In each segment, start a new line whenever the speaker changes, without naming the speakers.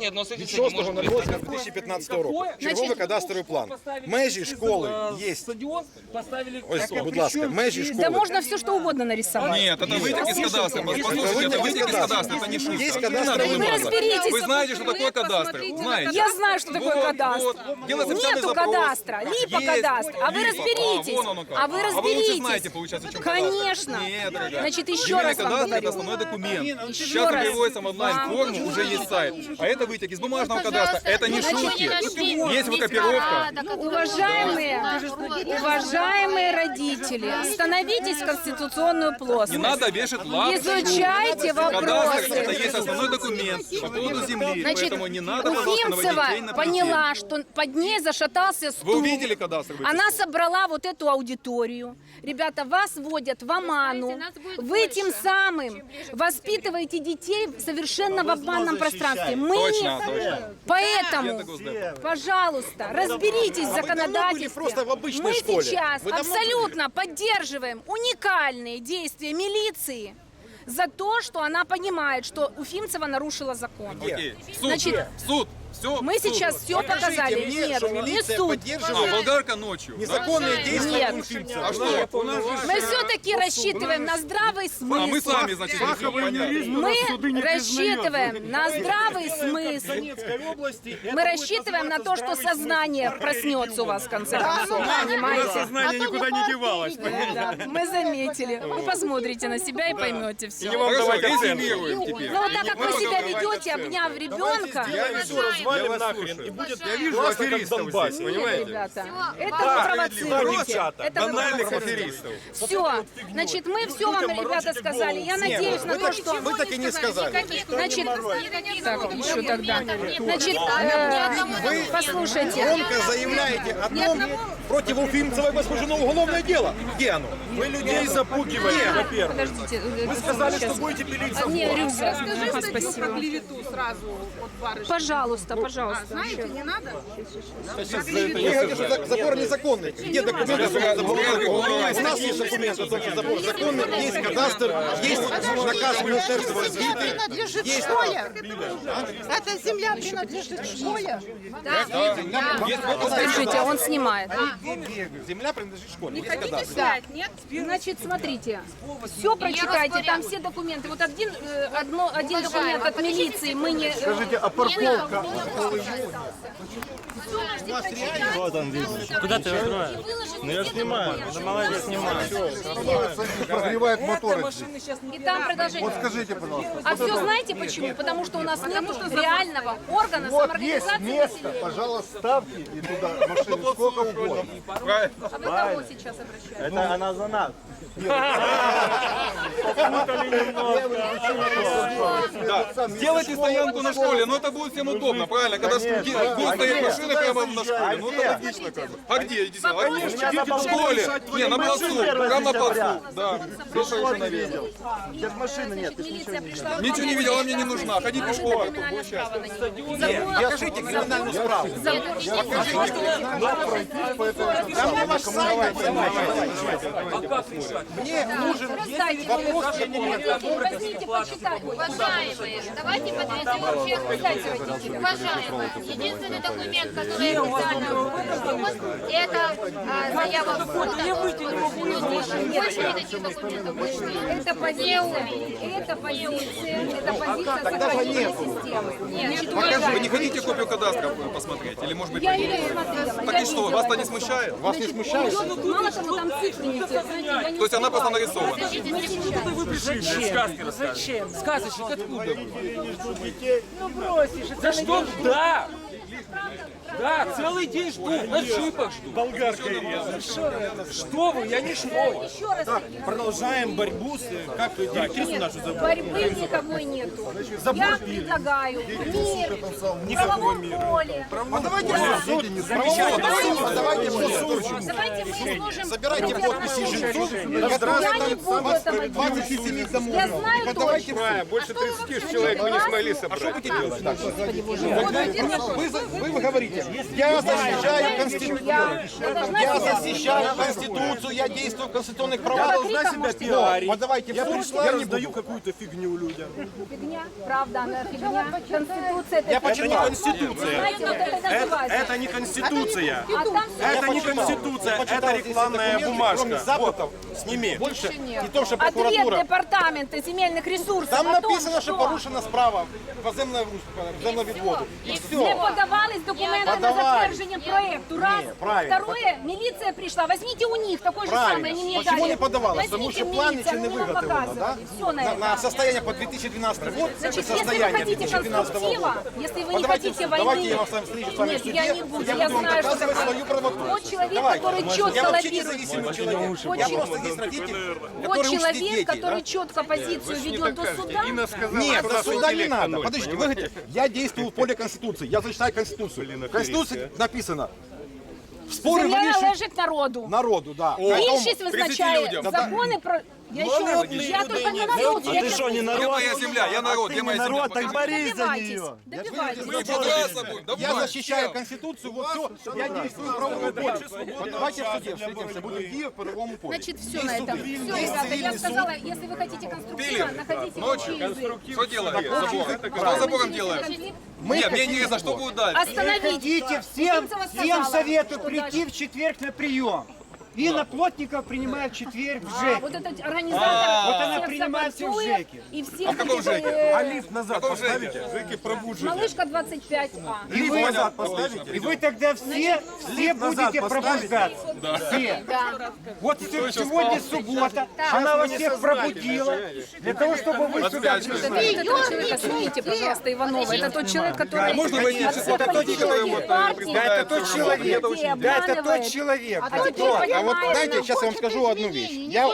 не относитесь,
від 6.08.2015 року. Черговий кадастровий план. Межі школи є. Ось, будь ласка, межі школи.
Да можно все что угодно нарисовать.
Нет, это вытек из кадастра. Послушайте, это вытек из кадастра, это не шутка.
Есть кадастровый
Вы разберитесь.
Вы знаете, что такое кадастр? Знаете?
Я знаю, что такое кадастр. Нету кадастра, либо кадастр. А вы разберитесь. А вы
А вы лучше знаете,
разберитесь.
получается, чем кадастр.
Конечно.
Нет, дорогая.
Значит, еще
Земельный
раз вам
кадастр — это
говорю.
основной документ.
Еще
Сейчас
раз.
переводится в онлайн-форму, уже есть сайт. А это вытек из бумажного кадастра. Это не шутки. Есть выкопировка.
Уважаемые родители, становитесь в конституционную
Не
плоскость.
надо вешать лапу.
Изучайте
Кадастр —
вопросы.
это есть основной документ по поводу земли.
Значит,
Поэтому не надо, пожалуйста, наводить
Уфимцева
тень на
поняла, что под ней зашатался
Вы
стул.
увидели кадастр?
Она собрала вот эту аудиторию. Ребята, вас вводят в оману. Вы тем самым воспитываете детей совершенно в обманном пространстве. Мы
Точно,
не...
точно.
Поэтому,
Госдеп.
пожалуйста, разберитесь в законодательстве.
просто в обычной
Мы
школе?
сейчас
Вы давно
абсолютно поддерживаем уникальные действия милиции за то, что она понимает, что Уфимцева нарушила закон.
Окей. Суд,
Значит,
суд, все.
Мы сейчас все показали.
мне,
Нет,
что
не
милиция
суд.
поддерживает
Болгарка ночью.
незаконные действия
Нет.
Уфимцева.
А что?
Мы все-таки рассчитываем на здравый
А мы
смысл.
сами, значит, решим понять.
Мы рассчитываем на здравый смысл. Мы рассчитываем на то, что сознание проснется у вас в конце концов. Понимаете?
Сознание никуда не девалось.
Да, мы заметили. Вы посмотрите на себя и поймете все.
Хорошо, резюмируем теперь.
Ну вот так как вы себя ведете, обняв ребенка,
Развалим нахрен и будет классно, как в Донбассе, понимаете?
ребята, это вы провоцируете. Это вы
Банальных
провоцируете.
аферистов.
Все, значит, мы все вам, ребята, сказали. Я надеюсь на то, что...
Вы так и не сказали.
Значит, так, еще тогда. Значит, послушайте.
Громко заявляете о том, против Уфимцевой возбуждено уголовное дело. Где оно?
Вы людей запугиваете, во-первых.
Подождите.
Вы сказали, что будете пилить забор.
Не, рюкзак.
Скажи
Ага,
статью про
спасибо.
клевету сразу от барышни.
Пожалуйста, пожалуйста.
Знаете, не надо?
Вы говорите, что забор незаконный. Где документы, что забор законный? У нас есть документы, что забор законный, есть кадастр, есть наказ Министерства развития.
Принадлежит школе. Эта земля принадлежит школе.
Скажите, он снимает.
Земля принадлежит школе. Есть
Хотите
кадастр.
снять, нет?
Значит, смотрите, все прочитайте, там все документы. Вот один документ от милиции мы не...
Скажите, а парковка?
Куда ты открываешь?
Ну я снимаю, это молодец, снимаю.
Прогревает моторы.
И там продолжение.
Скажите, пожалуйста.
А все знаете почему? Потому что у нас нет реального органа
Вот есть
самоорганизации
место,
населения.
пожалуйста, ставьте и туда машины сколько угодно.
Правильно.
А вы кого сейчас обращаетесь?
Это она за нас.
Да. Сделайте стоянку на школе, но это будет всем удобно, правильно? Когда будут стоять машины прямо на школе, ну это логично как бы. А где? Идите, а где? В школе? Не, на плацу, прямо на плацу. Да, совершенно верно.
Сейчас машины нет, ты ж ничего
Милиция
не
пришла...
Ничего не видел, она мне не нужна. Ходи пешком, это будет счастье.
Покажите криминальную справку. Мне нужен вопрос документов.
Возьмите, почитайте.
Уважаемые, давайте подведем всех. Уважаемые, единственный документ, который официально выпущен, это заява в суд. Больше никаких документов больше нет.
Это позиция, это сохранения системы.
Вы не хотите копию кадастра посмотреть? Или может быть...
Я ее не смотрела.
Так и что, вас-то не смущает?
Вас не смущает?
Мало того, там цифры не те. Знаете, я не
То есть она просто нарисована?
Зачем? Зачем? Сказочник откуда вы? Ну бросишь. За что? Да! Да, целый день жду, на джипах жду.
Болгарка
Что вы, я не шмой.
еще раз.
Продолжаем борьбу с... Как директрису нашу зовут?
Борьбы никакой нету. Я предлагаю мир, в правовом поле.
Давайте давайте
Давайте мы изложим...
собирайте подписи жильцов,
Я не
которые
буду этого делать.
27 домов.
Я знаю
Подавайте
точно.
Больше 30 человек мы не смогли собрать.
Вы говорите, Смотрите, я защищаю Конституцию. Я защищаю Конституцию, я действую в конституционных правах.
Должна себя
пиарить. Подавайте в
Я
суд,
пришла,
я не
раздаю
буду.
какую-то фигню людям.
Фигня, правда, она фигня. Конституция это
Я
фигня.
Это не
почитал.
Конституция.
Знаете, вот это называется.
Это не Конституция.
А там
Это не
почитал.
Конституция,
Я почитал
это
здесь
рекламная
документы,
бумажка.
кроме запытов,
Сними.
больше не то, что
Ответ
прокуратура.
департамента земельных ресурсов
Там
о том,
написано, що порушена справа по землевідводу. І
Не
все.
подавались документы на
Подавались.
затверждение проекту. Раз.
Не, правильно.
Второе, милиция пришла. Возьмите у них такой же самый,
Правильно.
они мне
Почему
дали.
не подавалось? Потому
Возьмите
что план
милицию,
ничего не
они нам
выготовлено, да?
показывали. Все на это.
На состояние по 2012 год,
Значит, если вы
состояние
хотите
2012
конструктива,
года.
если вы не
Давайте,
хотите войны...
давайте я вам с вами встречу с вами
Нет,
в суде.
я не буду, я
буду вам
знаю, что
доказывать
такое.
свою правоту.
Вот человек,
Давайте.
который четко
Я вообще
лоббирует.
независимый человек.
Вот
Я
человек.
просто есть родитель,
Вот
который учит
человек,
детей.
который
да?
четко позицию ведет до суда.
Нет, до суда не надо. Подождите, вы говорите, я действую в поле Конституции, я защищаю Конституцию. В Конституции написано, споры
Земля
вирішують
належить народу.
народу, да.
Більшість
30
визначає
людям.
закони про... Я еще раз, я только не народ.
А ты что, не
Где
народ?
моя земля? Я народ, где моя земля?
народ, так
Покажи.
борись за
Добивайтесь,
нее.
добивайтесь.
Мы подраться будем.
Я
Давай.
защищаю Конституцию, вот все, я действую в правовом поле. Вот давайте в суде встретимся, будем в правовому поле.
Значит, все на этом. Все, ребята, я сказала, если вы хотите конструктивно,
Пилим.
находите
Ночью.
общий язык.
Что делаем? Забор. Что забором делаем? Нет, мне интересно, что будет дальше.
Остановите.
Идите, всем советую прийти в четверг на прием. Инна Плотников принимает в четверг в ЖЭК.
Вот этот организатор
Вот она
всех
принимает всех в
согласует,
ЖЭКе.
и всех
А в каком
этих,
ЖЭКе?
А лифт назад
Каком
поставите? Жеки пробужите.
Малышка 25А.
И вы,
Назад поставите.
и вы тогда все будете пробуждаться. Все. Вот сегодня суббота, она вас всех пробудила, для того, чтобы вы сюда
Распячка.
пришли.
Этого человека снимите, пожалуйста, Иванова. Это тот человек, который...
Можно войти
от
число
всех
людей, которые вот,
партий
Да, это тот человек. Да, это тот человек.
А теперь
А вот
понимаем,
знаете, сейчас я вам скажу одну вещь.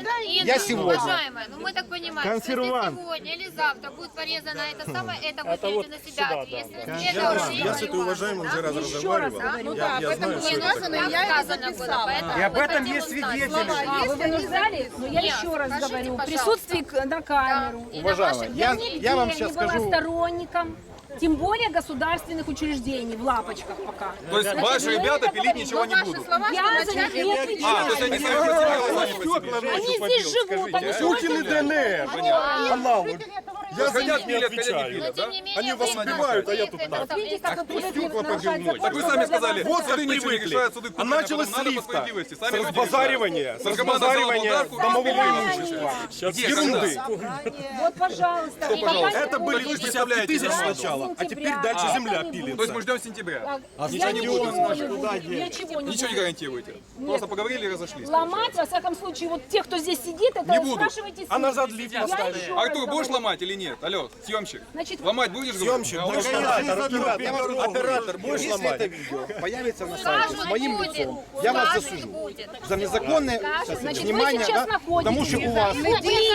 Я сегодня...
Уважаемая, ну мы так понимаем, что если сегодня или завтра будет порезано это самое, это вы берете на себя. Если это уже
Я с этой уважаемым уже раз
еще раз
разговаривал.
говорю.
Я знаю, что
не
это
нужно,
такое.
я сказано было, поэтому
И об
мы
этом
хотим
есть
узнать.
свидетели.
А, вы вынуждали? Но я еще раз
скажите,
говорю,
пожалуйста.
присутствие на камеру.
И на
Уважаемая,
ваших-
Я
я
нигде
вам
не
сейчас
была
скажу...
сторонником, тем более государственных учреждений, в лапочках пока.
То есть ваши ребята пилить ничего не будут?
Я за них не
А, то есть
отвечаю.
они сами по себе, сами по себе.
Они здесь живут, они
Путин и ДНР. Канал. Я за
Хотят
них не
пилят, хотят не
отвечаю.
Но
пилят, да?
тем не менее,
Они вас
вы
убивают, а я тут
это
так.
Видите, как вы привыкли
стекла
нарушать
побил мой.
закон,
Так вы сами сказали,
Вот как
суды ничего не
привыкли.
решают, суды
А началось с
надо по
лифта,
справедливости.
с
Сами люди
разбазаривания, с
решают. Команда взяла
разбазаривания
болгарку,
домового
разбазаривание.
имущества.
Где,
Ерунды.
Вот, пожалуйста. И пока не
Это были
будет,
50 тысяч
Я
сначала, а теперь
сентября,
дальше
это
земля
не будет.
То есть
пилится.
мы ждем сентября.
Я ничего не буду, ничего не
Ничего не
буду.
гарантируете. Просто поговорили и разошлись.
Ломать, во всяком случае, вот тех, кто здесь сидит, это
Не буду.
спрашивайте с
А
них.
назад лифт
Я
поставили.
еще раз
Артур, будешь
говорю.
ломать или нет? Алло, съемщик.
Значит,
Ломать будешь?
Съемщик,
говорю?
будешь ломать? Оператор, будешь
Если это
ломать?
видео появится на сайте с
Скажут,
моим
будет.
лицом, я вас
Скажут,
засужу
будет.
за незаконное
Значит, вы
внимание,
сейчас
да, потому что у вас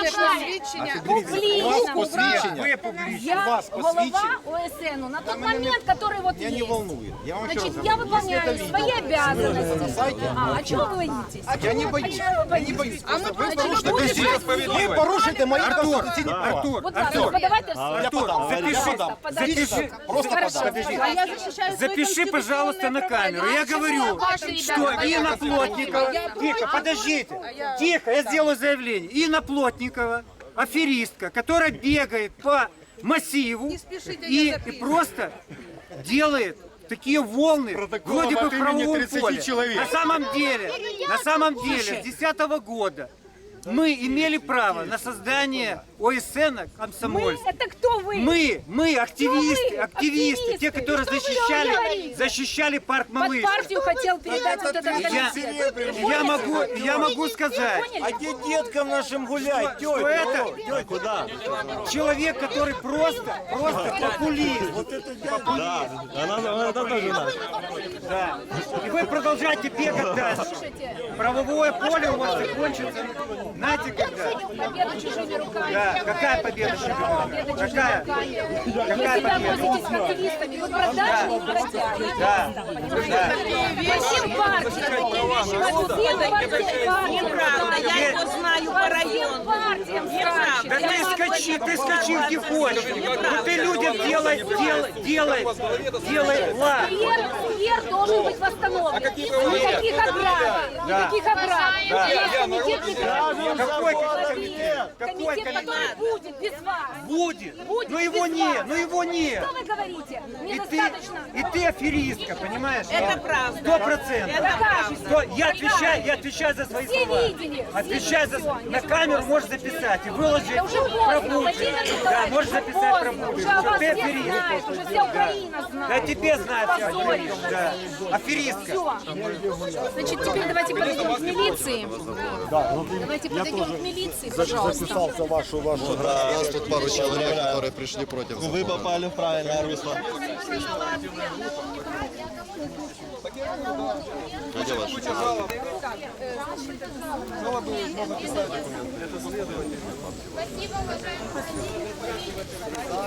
публично,
посвідчення,
я
вас
голова
посвідчення.
ОСН на тот момент, который вот
меня не
есть.
волнует. Я вам еще раз
Значит, я
говорю, если это
выполняю свои
видео на
обязанности.
сайте,
А чего вы боитесь?
я не боюсь. Я не боюсь. Просто вы порушите
будете
Конституцию.
справедливость.
Вы порушите мои конституционные права.
Вот так, ну, подавайте в суд.
Я подам.
Подавайте.
Просто
Хорошо.
подам.
А я защищаю свои
Запиши, пожалуйста, на камеру. Я говорю,
Ваши ребята,
что Инна Плотникова... Тихо, подождите. Тихо, я сделаю заявление. Инна Плотникова, аферистка, которая бегает по массиву и просто делает такие волны, вроде бы
от
в
имени
правовом
30
поле.
человек.
На самом деле, с 2010 года мы имели право на создание ОСН
Мы,
«Комсомольск».
это кто вы?
Мы активисты,
Активисты.
те, которые
Что вы говорите?
защищали парк
Под
Малыш.
партию хотел передать вот этот комитет.
Я могу сказать,
А
где деткам нашим гулять?
что это человек, который просто популист. Да. И вы продолжаете бегать дальше. Правовое поле у вас закончится. Знаете когда?
Победу чужими руками.
Да. Какая победа?
Победа чужими
Какая?
руками.
Какая
Если вы
победа?
относитесь к активистами, вы продажные бродяги.
Да.
По всем партиям. По всем партиям.
Неправда, я его знаю по району.
Партиям.
Да ты скачи где хочешь. Ну ты людям делай лад.
Сквер должен быть восстановлен. Никаких оград. Никаких оград.
Какой комитет?
Комитет, который будет без вас.
Будет.
Будет
Но его
без
нет,
вас.
но его нет.
Что вы говорите? Мне
И
достаточно.
ты аферистка, понимаешь?
Это правда.
100%.
Докажете.
Я отвечаю за свои
Все
слова.
видели.
Отвечаю за...
Всё,
На камеру можешь записать и выложить
Это уже поздно,
про
Владимир
Бучу.
Николаевич,
Да, можешь
уже
записать про
поздно.
Бучу.
Уже о вас
Ты
все
аферист.
знают, уже вся Украина
Да
знает.
тебе знать, ты
Позоришь.
аферист. Да. Аферистка.
Все. Значит, теперь давайте подойдем к милиции. Давайте подойдем к милиции, пожалуйста.
Записался вашу.
Да, у нас тут пару человек, которые пришли против. Вы попали в правильное русло. А где ваши?
Спасибо, уважаемые.